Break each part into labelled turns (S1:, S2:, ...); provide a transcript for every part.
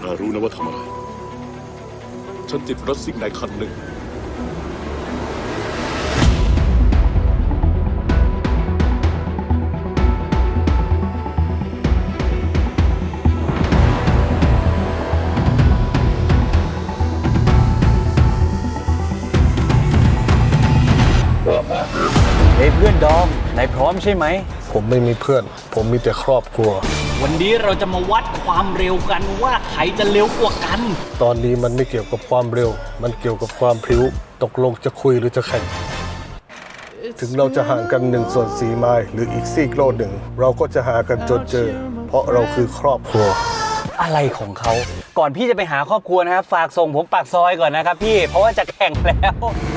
S1: ารู้นะว่าทำอะไร ฉันติดรถซิ่งในคันหนึ่ง
S2: เฮ้ยเพื่อนดอมนายพร้อมใช่ไหม
S3: ผมไม่มีเพื่อน ผมมีแต่ครอบครัว
S2: วันนี้เราจะมาวัดความเร็วกันว่าใครจะเร็วกว่ากัน
S3: ตอนนี้มันไม่เกี่ยวกับความเร็ว มันเกี่ยวกับความพริ้ว ตกลงจะคุยหรือจะแข่ง ถึงเราจะห่างกัน1/4 ไมล์หรืออีกซีกโลกหนึ่ง เราก็จะหากันจนเจอ เพราะเราคือครอบครัว
S2: อะไรของเขา ก่อนพี่จะไปหาครอบครัวนะครับ ฝากส่งผมปากซอยก่อนนะครับพี่ เพราะว่าจะแข่งแล้ว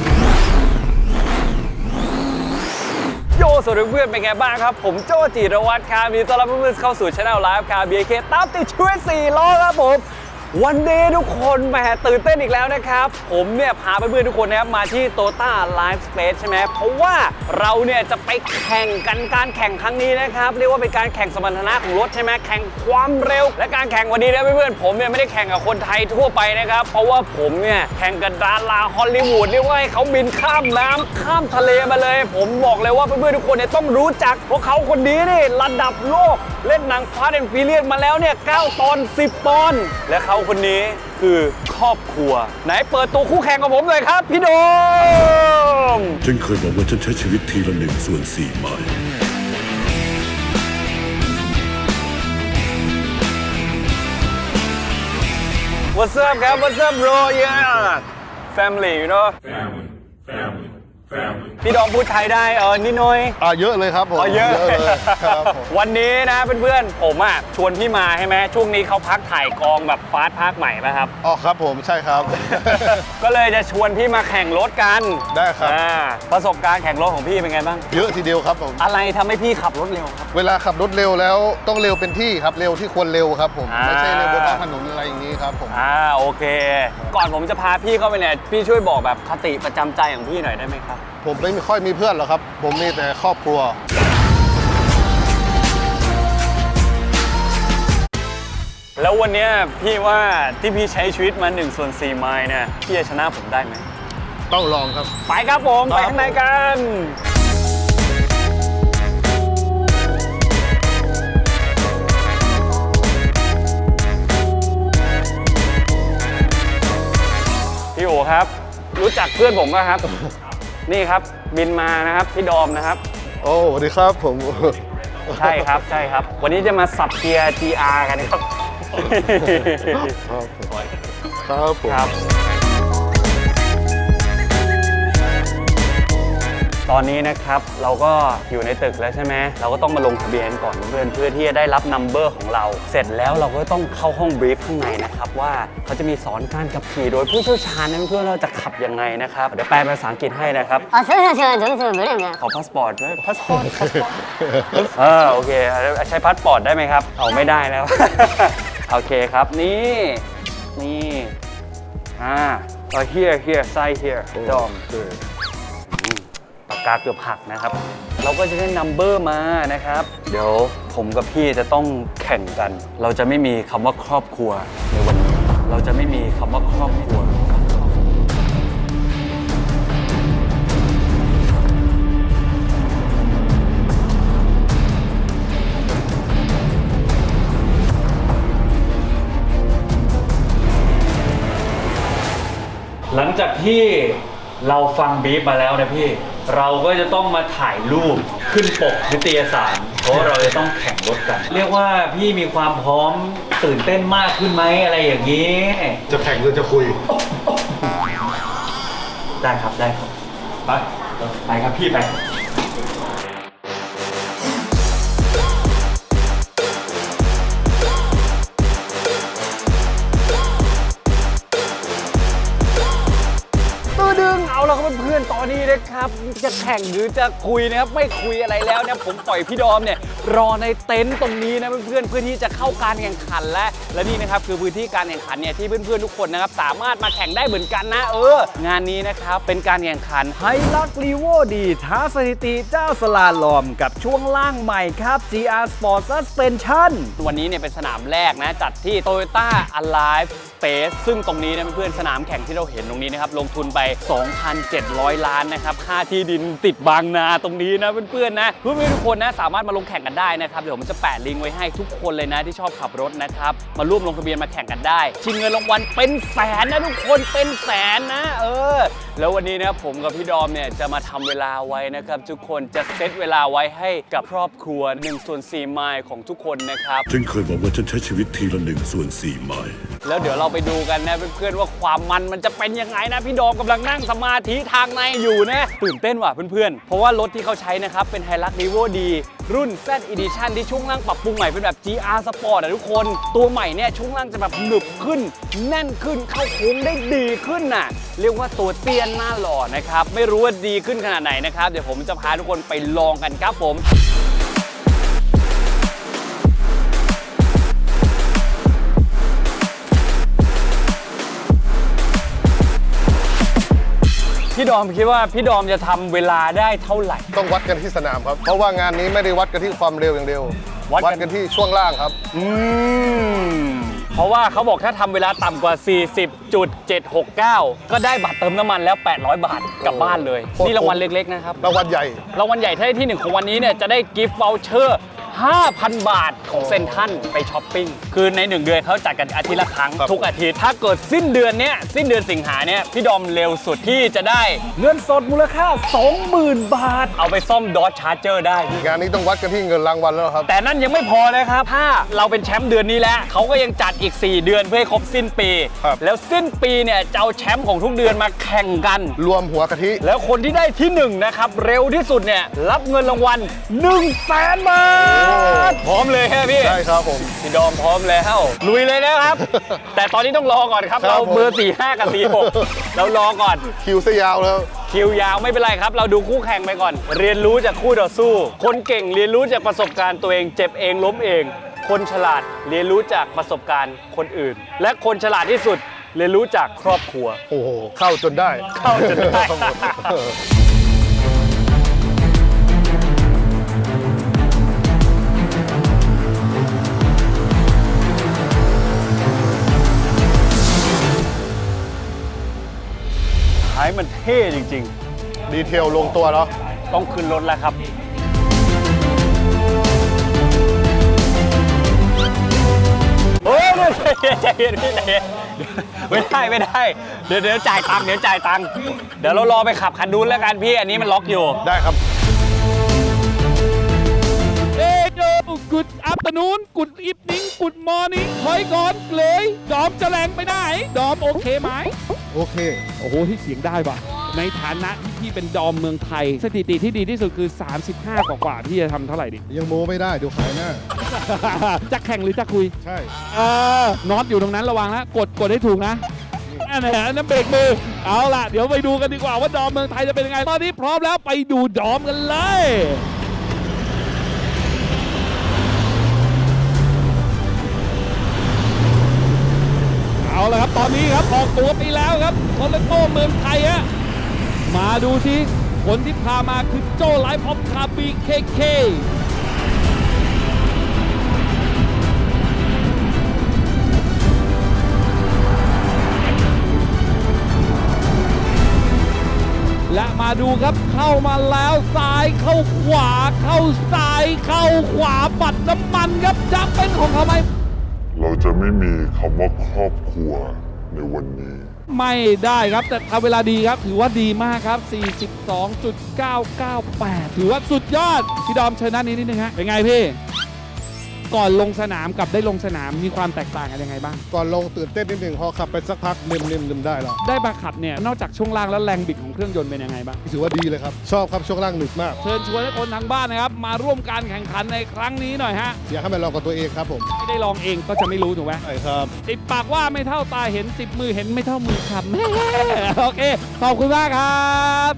S2: โยสวัสดีเพื่อนเป็นไงบ้างครับ ผมโจจิรวัตรครับมีต้อนรับเพื่อนๆเข้าสู่ช่องไลฟ์ครับ BK ตามติดชีวิต4 ล้อครับผม วันนี้ทุกคนแหมตื่นเต้นอีกแล้วนะครับ ผมเนี่ยพาเพื่อนๆทุกคนนะครับมาที่ Toyota Live Space ใช่ไหมเพราะว่าเราเนี่ยจะไปแข่งกันการแข่งครั้งนี้นะครับเรียกว่าเป็นการแข่งสมรรถนะของรถใช่ไหมแข่งความเร็วและการแข่งวันนี้นะเพื่อนๆผมเนี่ยไม่ได้แข่งกับคนไทยทั่วไปนะครับเพราะว่าผมเนี่ยแข่งกับดาราฮอลลีวูดเรียกว่าให้เขาบินข้ามน้ำข้ามทะเลมาเลย ผมบอกเลยว่าเพื่อนๆทุกคนเนี่ยต้องรู้จักเพราะเขาคนนี้นี่ระดับโลกเล่นหนัง Fast and Furious มาแล้วเนี่ย9 ตอน 10 ตอนและเขาคนนี้คือครอบครัวไหนเปิดตัวคู่แข่งกับผมเลยครับพี่โดม
S1: ฉันเคยบอกว่าฉันใช้ชีวิตทีละ1/4 ไมล์
S2: What's up ครับ What's up bro yeah family you know
S1: family
S2: พี่ดอมพูดไทยได้นิดหน่อย
S3: เยอะเลยครับผม
S2: เยอะ
S3: เลยครับผม
S2: วันนี้นะเพื่อนๆผมอ่ะชวนพี่มาใช่ไหมช่วงนี้เขาพักถ่ายกองแบบฟาสต์ภาคใหม่ป่ะครับ
S3: อ๋อครับผมใช่ครับ
S2: ก็เลยจะชวนพี่มาแข่งรถกัน
S3: ได้ครับ
S2: ประสบการณ์แข่งรถของพี่เป็นไงบ้าง
S3: เยอะทีเดียวครับผม
S2: อะไรทำให้พี่ขับรถเร็วครับ
S3: เวลาขับรถเร็วแล้วต้องเร็วเป็นที่ครับเร็วที่ควรเร็วครับผม
S2: อ่า
S3: ไม่ใช่เร็วบนท้องถนนอะไรอย่างนี้ครับผม
S2: โอเค ก่อนผมจะพาพี่เข้าไปเนี่ยพี่ช่วยบอกแบบคติประจำใจของพี่หน่อยได้ไหมครับ
S3: ผมไม่ค่อยมีเพื่อนหรอกครับ ผมมีแต่ครอบครัว
S2: แล้ววันเนี้ยพี่ว่าที่พี่ใช้ชีวิตมา1/4 ไมล์เนี่ยพี่จะชนะผมได้ไหม
S3: ต้องลองครับ
S2: ไปครับผม
S3: ครับ
S2: ไปข้างในกันพี่โอครับ รู้จักเพื่อนผมป่ะครับ นี่ครับบินมานะครับพี่ดอมนะครับ
S3: โอ้สวัสดีครับผม
S2: ใช่ครับใช่ครับ วันนี้จะมาสับเกียร์ GR กันครับ
S3: ครับผม
S2: ครับ ตอนนี้นะครับเราก็อยู่ในตึกแล้วใช่ไหมเราก็ต้องมาลงทะเบียนก่อนเพื่อนที่จะได้รับนัมเบอร์ของเรา เสร็จแล้วเราก็ต้องเข้าห้องบรีฟข้างในนะครับว่าเขาจะมีสอนการขับขี่โดยผู้เชี่ยวชาญนะเพื่อนเราจะขับยังไงนะครับเดี๋ยวแปลเป็นภาษาอังกฤษให้นะครับ
S4: 선생님 점수 노래면
S2: ขอพาสปอร์ตด้วยพาสปอร์ตโอเคใช้พาสปอร์ตได้ไหมครับเอาไม่ได้แล้ว โอเคครับนี่here side here ดอมปากกาเกือบหักนะครับ เราก็จะได้นัมเบอร์มานะครับ เดี๋ยวผมกับพี่จะต้องแข่งกัน เราจะไม่มีคำว่าครอบครัวในวันนี้ เราจะไม่มีคำว่าครอบครัว หลังจากที่เราฟังบีฟมาแล้วนะพี่ เราก็จะต้องมาถ่ายรูปขึ้นปกนิตยสาร เพราะเราจะต้องแข่งรถกัน เรียกว่าพี่มีความพร้อมตื่นเต้นมากขึ้นไหมอะไรอย่างนี้
S3: จะแข่งหรือจะคุย
S2: ได้ครับได้ครับไปครับพี่ไปเอาละครับเพื่อนอนๆตอนนี้นะครับจะแข่งหรือจะคุยนะครับไม่คุยอะไรแล้วเนี่ยผมปล่อยพี่ดอมเนี่ยรอในเต็นท์ตรงนี้นะเพื่อนๆเพื่อที่จะเข้าการแข่งขันและนี่นะครับคือพื้นที่การแข่งขันเนี่ยที่เพื่อนๆทุกคนนะครับสามารถมาแข่งได้เหมือนกันนะงานนี้นะครับเป็นการแข่งขันไฮลักลีโวดีท้าสถิติเจ้าสลาลอมกับช่วงล่างใหม่ครับ GR Sport Suspension วันนี้เนี่ยเป็นสนามแรกนะจัดที่ Toyota Alive Space ซึ่งตรงนี้นะเพื่อนๆสนามแข่งที่เราเห็นตรงนี้นะครับลงทุนไป 2,700 ล้านนะครับค่าที่ดินติดบางนาตรงนี้นะเพื่อนๆนะเพื่อนๆทุกคนนะสามารถมาลงแข่งกันได้นะครับเดี๋ยวผมจะแปะลิงก์ไว้ให้ทุกคนเลยนะที่ชอบขับรถนะครับมาร่วมลงทะเบียนมาแข่งกันได้ชิงเงินรางวัลเป็นแสนนะทุกคนเป็นแสนนะแล้ววันนี้นะผมกับพี่ดอมเนี่ยจะมาทำเวลาไว้นะครับทุกคนจะเซตเวลาไว้ให้กับครอบครัว1/4 ไมล์ของทุกคนนะครับ
S4: ฉันเคยบอกว่าฉันใช้ชีวิตทีละ1/4 ไมล์
S2: แล้วเดี๋ยวเราไปดูกันนะเพื่อนๆว่าความมันจะเป็นยังไงนะพี่ดอมกำลังนั่งสมาธิทางในอยู่นะตื่นเต้นว่ะเพื่อนๆเพราะว่ารถที่เขาใช้นะครับเป็น Hilux Revo D รุ่น Z Edition ที่ช่วงล่างปรับปรุงใหม่เป็นแบบ GR Sport ทุกคนตัวใหม่เนี่ยช่วงล่างจะแบบหนึบขึ้นแน่นขึ้นเข้าโค้งได้ดีขึ้นน่ะเรียกว่าตัวเตี้ยนหน้าหล่อนะครับไม่รู้ว่าดีขึ้นขนาดไหนนะครับเดี๋ยวผมจะพาทุกคนไปลองกันครับผมพี่ดอมคิดว่าพี่ดอมจะทำเวลาได้เท่าไหร่
S3: ต้องวัดกันที่สนามครับเพราะว่างานนี้ไม่ได้วัดกันที่ความเร็วอย่างเดียววัดกันที่ช่วงล่างครับ
S2: เพราะว่าเขาบอกถ้าทำเวลาต่ำกว่า 40.769 ก็ได้บัตรเติมน้ำมันแล้ว800 บาทกลับบ้านเลยนี่รางวัลเล็กๆนะครับ
S3: รางวัลใหญ่
S2: ถ้าได้ที่1ของวันนี้เนี่ยจะได้กิฟต์วอลเชอร์5,000 บาทของเซ็นทรัลไปช้อปปิ้งคือใน1เดือนเขาจัดกันอาทิตย์ละครั้งทุกอาทิตย์ถ้าเกิดสิ้นเดือนสิงหาเนี่ยพี่ดอมเร็วสุดที่จะได้เงินสดมูลค่า 20,000 บาทเอาไปซ่อมดอจชาร์เจอร์ได้
S3: งานนี้ต้องวัดกันที่เงินรางวัลแล้วครับ
S2: แต่นั่นยังไม่พอเลยครับถ้าเราเป็นแชมป์เดือนนี้แล้วเขาก็ยังจัดอีก4เดือนเพื่อให้ครบสิ้นปีแล้วสิ้นปีเนี่ยจะเอาแชมป์ของทุกเดือนมาแข่งกัน
S3: รวมหัวกะทิ
S2: แล้วคนที่ได้ที่1นะครับเร็วที่สุดเนี่ยรับเงินรางวัล 100,000 บาทพร้อมเลยใช่ไหมพี่
S3: ใช่ครับผม
S2: พี่ดอมพร้อมแล้วลุยเลยนะครับ แต่ตอนนี้ต้องรอก่อนครับเราเบอร์45กับ46เรารอก่อน
S3: คิวซะยาวแล้ว
S2: คิวยาวไม่เป็นไรครับเราดูคู่แข่งไปก่อนเรียนรู้จากคู่ต่อสู้คนเก่งเรียนรู้จากประสบการณ์ตัวเองเจ็บเองล้มเองคนฉลาดเรียนรู้จากประสบการณ์คนอื่นและคนฉลาดที่สุดเรียนรู้จากครอบครัว
S3: โอ้โหเข้าจนได้
S2: ให้มันเท่จริง
S3: ๆดีเทลลงตัวเนาะ
S2: ต้องขึ้นรถแล้วครับโอ้ยใจเย็นพี่ใจเย็นไม่ได้เดี๋ยวจ่ายตังค์เดี๋ยวเรารอไปขับคันนู้นแล้วกันพี่อันนี้มันล็อกอยู่
S3: ได้ครับ
S5: Good afternoon Good evening Good morning ถอยก่อนเลยดอมจะแรงไปไหนดอมโอเคไหม
S3: โอเค
S5: โอ้โหที่เสียงได้ปะในฐานะที่พี่เป็นดอมเมืองไทยสถิติที่ดีที่สุดคือ 35 กว่าพี่จะทำเท่าไหร่ดิ
S3: ยังโมไม่ได้เดี๋ยวขายหน้า
S5: จะแข่งหรือจะคุย
S3: ใช่
S5: น็อตอยู่ตรงนั้นระวังนะกดให้ถูกนะนั่นเบรกมือเอาล่ะเดี๋ยวไปดูกันดีกว่าว่าดอมเมืองไทยจะเป็นยังไงตอนนี้พร้อมแล้วไปดูดอมกันเลยเอาละครับตอนนี้ครับออกตัวไปแล้วครับโตโยต้าเมืองไทยฮะมาดูสิคนที่พามาคือโจ้ไลฟ์ออฟคาร์บีเคและมาดูครับเข้ามาแล้วซ้ายเข้าขวาเข้าซ้ายเข้าขวาปัดน้ำมันครับจะเป็นของเขาไหม
S4: เราจะไม่มีคำว่าครอบครัวในวันนี้
S5: ไม่ได้ครับแต่ทำเวลาดีครับถือว่าดีมากครับ 42.998 ถือว่าสุดยอดพี่ดอมเชิญด้านนี้นิดนึงฮะเป็นไงพี่ก่อนลงสนามกับได้ลงสนามมีความแตกต่างกันยังไงบ้าง
S3: ก่อนลงตื่นเต้นนิดหนึ่งพอขับไปสักพักนิ่มได้แล้ว
S5: ได้มาขับเนี่ยนอกจากช่วงล่างแล้วแรงบิดของเครื่องยนต์เป็นยังไงบ้าง
S3: ถือว่าดีเลยครับชอบครับช่วงล่างหนึบมาก
S5: เชิญชวนให้คนทางบ้านนะครับมาร่วมการแข่งขันในครั้งนี้หน่อยฮะ
S3: อยากให้มาลองกับตัวเองครับผม
S5: ไม่ได้ลองเองก็จะไม่รู้ถูกไหม
S3: ใช่ครับ
S5: ติดปากว่าไม่เท่าตาเห็นติดมือเห็นไม่เท่ามือครับแม่โอเคขอบคุณมากครับ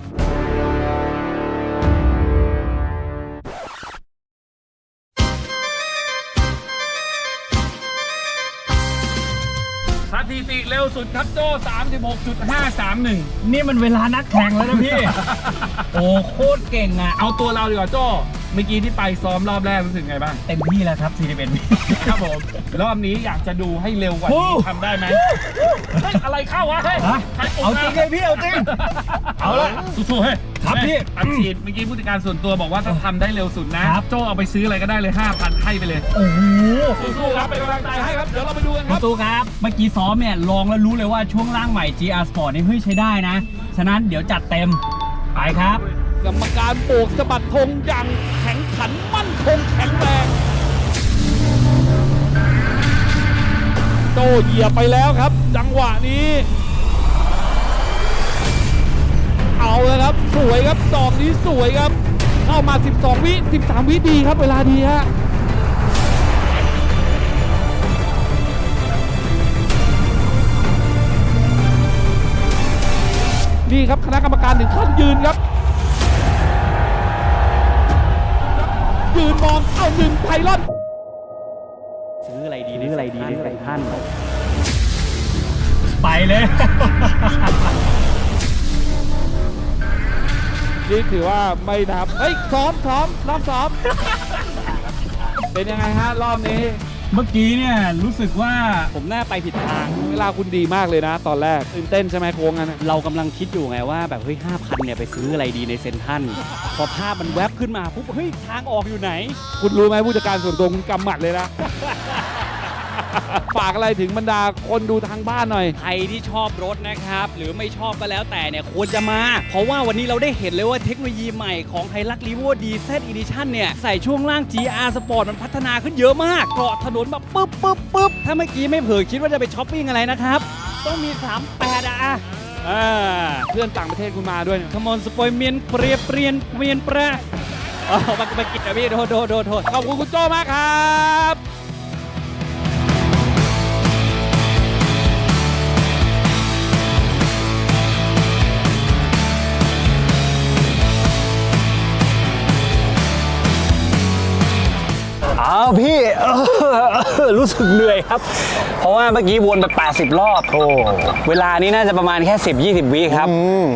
S5: สถิติเร็วสุดครับโจ้ 36.531
S6: นี่มันเวลานักแข่งแล้วนะพี่ โอ้โคตรเก่งอ่ะ
S5: เอาตัวเราดีกว่าโจ้เมื่อกี้ที่ไปซ้อมรอบแรกรู้สึกไงบ้าง
S6: เต็มที่แล้วครับ41วิ
S5: ครับผมรอบนี้อยากจะดูให้เร็วกว่านี้ทำได้ไหมเฮ้ยอะไรเข้าวะเฮ้ย
S6: ฮะ
S5: ใคปุ่ม
S6: เอาจริงเลยพี่เอาจริง
S5: เอาละสู้ๆเฮ้ย
S6: ครับพี่
S5: อัดฉีดเมื่อกี้ผู้จัดการส่วนตัวบอกว่าถ้าทำได้เร็วสุดนะครับ โจเอาไปซื้ออะไรก็ได้เลย 5,000 ให้ไปเลย
S6: โอ้โห
S5: สู้ๆครับเป็นกำลังใจให้ครับเดี๋ยวเราไปดูกันค
S6: คุ
S5: รั
S6: ณ
S5: บ
S6: ตูครับ เมื่อกี้ซ้อมเนี่ยลองแล้วรู้เลยว่าช่วงล่างใหม่ GR Sport นี่เฮ้ยใช้ได้นะ ฉะนั้นเดี๋ยวจัดเต็ม ไปครับ
S5: กรรมการโบกสะบัดธงอย่างแข็งขันมั่นคงแข็งแรง โจเหยียบไปแล้วครับ จังหวะนี้ เอาเลยครับ สวยครับดอกนี้สวยครับ เข้ามา 12 วิ 13 วิดีครับ เวลาดีฮะ นี่ครับคณะกรรมการถึงขั้นยืนครับ ยืนมองเอาหนึ่งไพลอน
S6: ซื้ออะไรดีในท่าน ไปเลย
S5: นี่ถือว่าไม่นับ เฮ้ยซ้อมรอบซ้อม เป็นยังไงฮะรอบนี้
S6: เมื่อกี้เนี่ยรู้สึกว่า
S5: ผมน่าไปผิดทาง เวลาคุณดีมากเลยนะ ตอนแรกตื่นเต้นใช่ไหมโค้งนั้นนะ
S6: เรากำลังคิดอยู่ไงว่าแบบเฮ้ย 5,000 เนี่ยไปซื้ออะไรดีในเซ็นทรัลพอภาพมันแวบขึ้นมาปุ๊บเฮ้ยทางออกอยู่ไหน
S5: คุณรู้ไหมผู้จัดการส่วนตัวคุณกำหมัดเลยนะ ฝากอะไรถึงบรรดาคนดูทางบ้านหน่อย
S6: ใครที่ชอบรถนะครับ หรือไม่ชอบก็แล้วแต่เนี่ยควรจะมา เพราะว่าวันนี้เราได้เห็นเลยว่าเทคโนโลยีใหม่ของไฮลักรีโวดีเซตอีดิชั่นเนี่ย ใส่ช่วงล่าง GR Sport มันพัฒนาขึ้นเยอะมากเกาะถนนแบบปึ๊บถ้าเมื่อกี้ไม่เผลอคิดว่าจะไปช้อปปิ้งอะไรนะครับ ต้องมี 38อะ
S5: เพื่อนต่างประเทศคุณมาด้วยเนี่ย
S6: ขมอนสปอยเมียนเปรียเปลี่ยนเมียนแปรอ๋อมากินนะพี่โทษ
S5: ขอบคุณคุณโจ้มากครับ
S2: อ้าวพี่รู้สึกเหนื่อยครับ เพราะว่าเมื่อกี้วนไป80 รอบโอ้เวลานี้น่าจะประมาณแค่ 10-20 วิครับ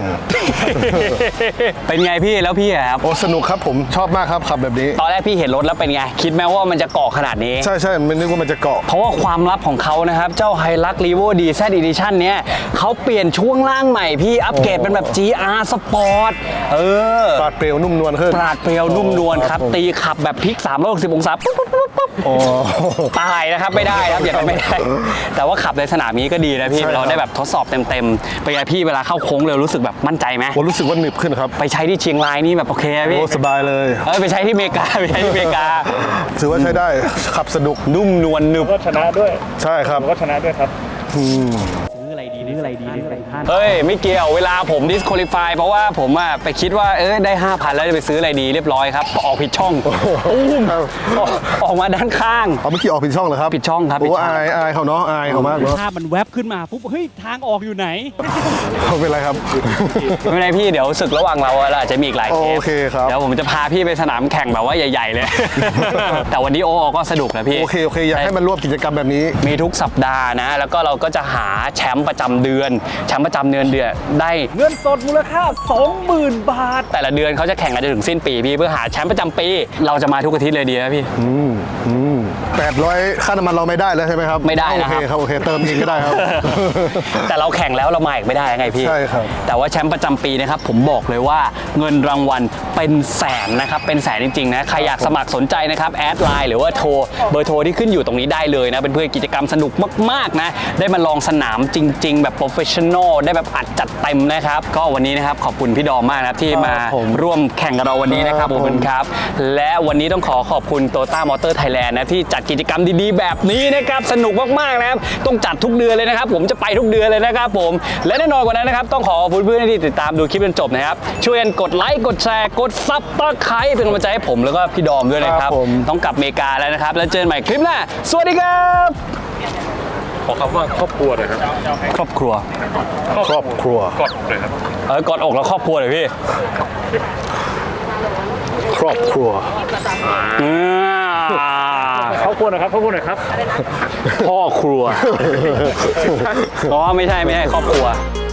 S2: เป็นไงพี่แล้วพี่อะครับ
S3: โอ้สนุกครับผมชอบมากครับขับแบบนี้
S2: ตอนแรกพี่เห็นรถแล้วเป็นไง คิดไหมว่ามันจะเกาะขนาดนี้
S3: ใช่ไม่นึกว่ามันจะเกาะ
S2: เพราะว่าความลับของเขานะครับ เจ้า Hilux Revo DZ Edition เนี้ยเขาเปลี่ยนช่วงล่างใหม่พี่อัปเกรดเป็นแบบ GR Sport
S3: ปราดเปรียวนุ่มนวลขึ้น
S2: ปราดเปรียวนุ่มนวลครับ ตีขับแบบพลิก360 องศาปุ๊บ
S3: โอ้
S2: ตายนะครับไม่ได้ครับอย่างนั้นไม่ได้ แต่ว่าขับในสนามนี้ก็ดีนะพี่
S3: ใช่ครับ
S2: เราได้แบบทดสอบเต็มๆเป็นไงพี่เวลาเข้าโค้งเร็วรู้สึกแบบมั่นใจไหม
S3: ผมรู้สึกว่าหนึบขึ้นครับ
S2: ไปใช้ที่เชียงรายนี่แบบโอเคอะพี่
S3: โอ้สบายเลย
S2: ไปใช้ที่อเมริกาไปใช้ที่อเมริกา
S3: ถือว่าใช้ได้ขับสนุก
S2: นุ่มนวลหนึบ
S3: ใช่ครับ
S6: ซื้ออะไรดีในท่าน
S2: เฮ้ยไม่เกี่ยวเวลาผม disqualify เพราะว่าผมอะไปคิดว่าได้ 5,000 แล้วจะไปซื้ออะไรดีเรียบร้อยครับออกผิดช่องออกมาด้านข้าง
S3: เอาเมื่อกี้ออกผิดช่องเหรอครับ
S2: ผิดช่องครับ
S3: โอ้
S2: ผิดช่อง
S3: อายเขาเนาะอายเขามากเนาะ
S6: ภาพมันแวบขึ้นมาปุ๊บเฮ้ยทางออกอยู่ไหน
S3: เขาเป็นไรครับ
S2: ไม่เป็นไรพี่เดี๋ยวศึกระหว่างเราเราอาจจะมีอีกหลายเทป
S3: โอเคครับ
S2: เดี๋ยวผมจะพาพี่ไปสนามแข่งแบบว่าใหญ่ๆเลย แต่วันนี้โอก็สนุกนะพี่
S3: โอเคอยากให้มันร่วมกิจกรรมแบบนี้
S2: มีทุกสัปดาห์นะ แล้วก็เราก็จะหาแชมป์ประจำเดือนแชมป์ประจำเดือนได้เงินสดมูลค่า 20,000 บาท แต่ละเดือนเขาจะแข่งกันจนถึงสิ้นปีพี่เพื่อหาแชมป์ประจำปี เราจะมาทุกอาทิตย์เลยดีนะพี่
S3: 800ค่าน้ำมันเราไม่ได้แล้วใช่ไหมครับ
S2: ไม่ได้นะครับ
S3: โอเคเติมเองก็ได้ครับ
S2: แต่เราแข่งแล้วเรามาอีกไม่ได้ไงพี่
S3: ใช่ครับ
S2: แต่ว่าแชมป์ประจำปีนะครับผมบอกเลยว่าเงินรางวัลเป็นแสนนะครับเป็นแสนจริงๆนะใครอยากสมัครสนใจนะครับแอดไลน์หรือว่าโทรเบอร์โทรที่ขึ้นอยู่ตรงนี้ได้เลยนะเป็นเพื่อนกิจกรรมสนุกมากๆนะได้มาลองสนามจริง ๆ แบบโปรเฟชชั่นอลได้แบบอัดจัดเต็มนะครับก็วันนี้นะครับขอบคุณพี่ดอมมากนะครับที่มาร่วมแข่งกับเราวันนี้นะครับขอบคุณครับและวันนี้ต้องขอบคุณ Toyota Motor Thailand นะที่จัดกิจกรรมดีๆแบบนี้นะครับสนุกมากๆนะครับต้องจัดทุกเดือนเลยนะครับผมจะไปทุกเดือนเลยนะครับผมและแน่นอนกว่านั้นนะครับต้องขอขอบคุณเพื่อนๆที่ติดตามดูคลิปจนจบนะครับช่วยกันกดไลค์กดแชร์กดซับสไครป์เป็นกำลังใจให้ผมแล้วก็พี่ดอมด้วยนะครับต้องกลับอเมริกาแล้วนะครับแล้วเจอกันใหม่คลิปหน้าสวัสดีครับ
S1: ขอคำว่าครอบครัวหน่อยครับ
S2: ครอบครัว
S3: ครอบครัว
S1: กอดเลยครับ
S2: กอดอกแล้วครอบครัวเลยพี่
S3: ครอบครัว
S1: ครอบครัวหน่อยครับครอบครัวหน่อยครับ
S2: พ่อครัวอ๋อไม่ใช่ครอบครัว